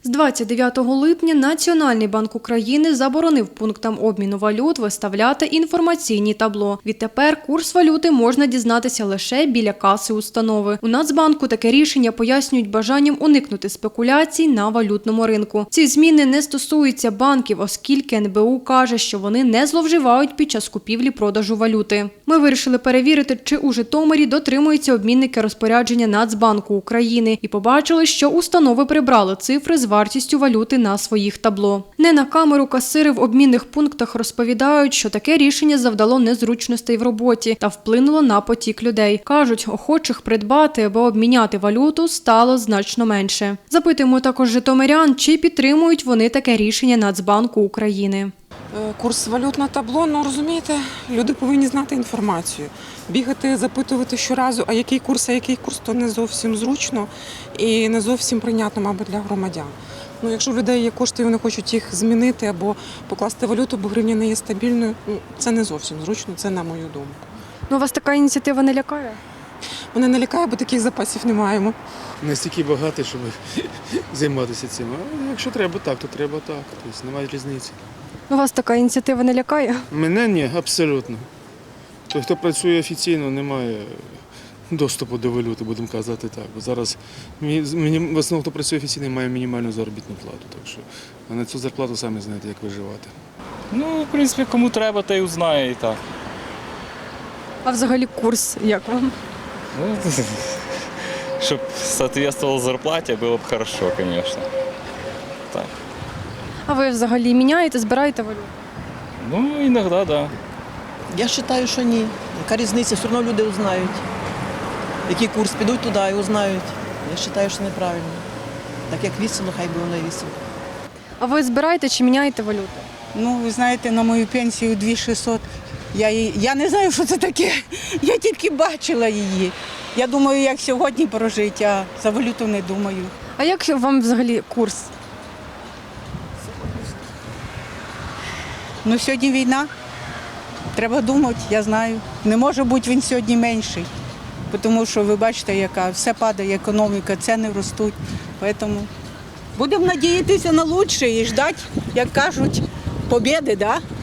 З 29 липня Національний банк України заборонив пунктам обміну валют виставляти інформаційні табло. Відтепер курс валюти можна дізнатися лише біля каси установи. У Нацбанку таке рішення пояснюють бажанням уникнути спекуляцій на валютному ринку. Ці зміни не стосуються банків, оскільки НБУ каже, що вони не зловживають під час купівлі-продажу валюти. Ми вирішили перевірити, чи у Житомирі дотримуються обмінники розпорядження Нацбанку України і побачили, що установи прибрали цифри з вартістю валюти на своїх табло. Не на камеру касири в обмінних пунктах розповідають, що таке рішення завдало незручностей в роботі та вплинуло на потік людей. Кажуть, охочих придбати або обміняти валюту стало значно менше. Запитуємо також житомирян, чи підтримують вони таке рішення Нацбанку України. Курс валют на табло, розумієте, люди повинні знати інформацію. Бігати, запитувати щоразу, а який курс, то не зовсім зручно і не зовсім прийнятно, мабуть, для громадян. Якщо в людей є кошти і вони хочуть їх змінити або покласти валюту, бо гривня не є стабільною, це не зовсім зручно, це на мою думку. Вас така ініціатива не лякає? Мене не лякає, бо таких запасів не маємо. Настільки багато, щоб займатися цим. А якщо треба так, то треба так. Тобто немає різниці. Вас така ініціатива не лякає? Мене ні, абсолютно. Той, хто працює офіційно, не має доступу до валюти, будемо казати так. Бо зараз в основному, хто працює офіційно, має мінімальну заробітну плату. Так що, а на цю зарплату самі знаєте, як виживати. В принципі, кому треба, той узнає і так. А взагалі курс як вам? Щоб соответствовало зарплаті, було б хорошо, звісно. Так. А ви взагалі міняєте, збираєте валюту? Іноді, так. Да. Я вважаю, що ні. Яка різниця? Все одно люди узнають. Який курс, підуть туди і узнають. Я вважаю, що неправильно. Так як вісіло, хай би воно і вісіло. А ви збираєте чи міняєте валюту? Ви знаєте, на мою пенсію 2600. Я не знаю, що це таке. Я тільки бачила її. Я думаю, як сьогодні прожити, а за валюту не думаю. А як вам взагалі курс? Сьогодні війна. Треба думати, я знаю. Не може бути він сьогодні менший. Тому що ви бачите, яка все падає, економіка, ціни ростуть. Тому будемо надіятися на краще і чекати, як кажуть, побєди, да?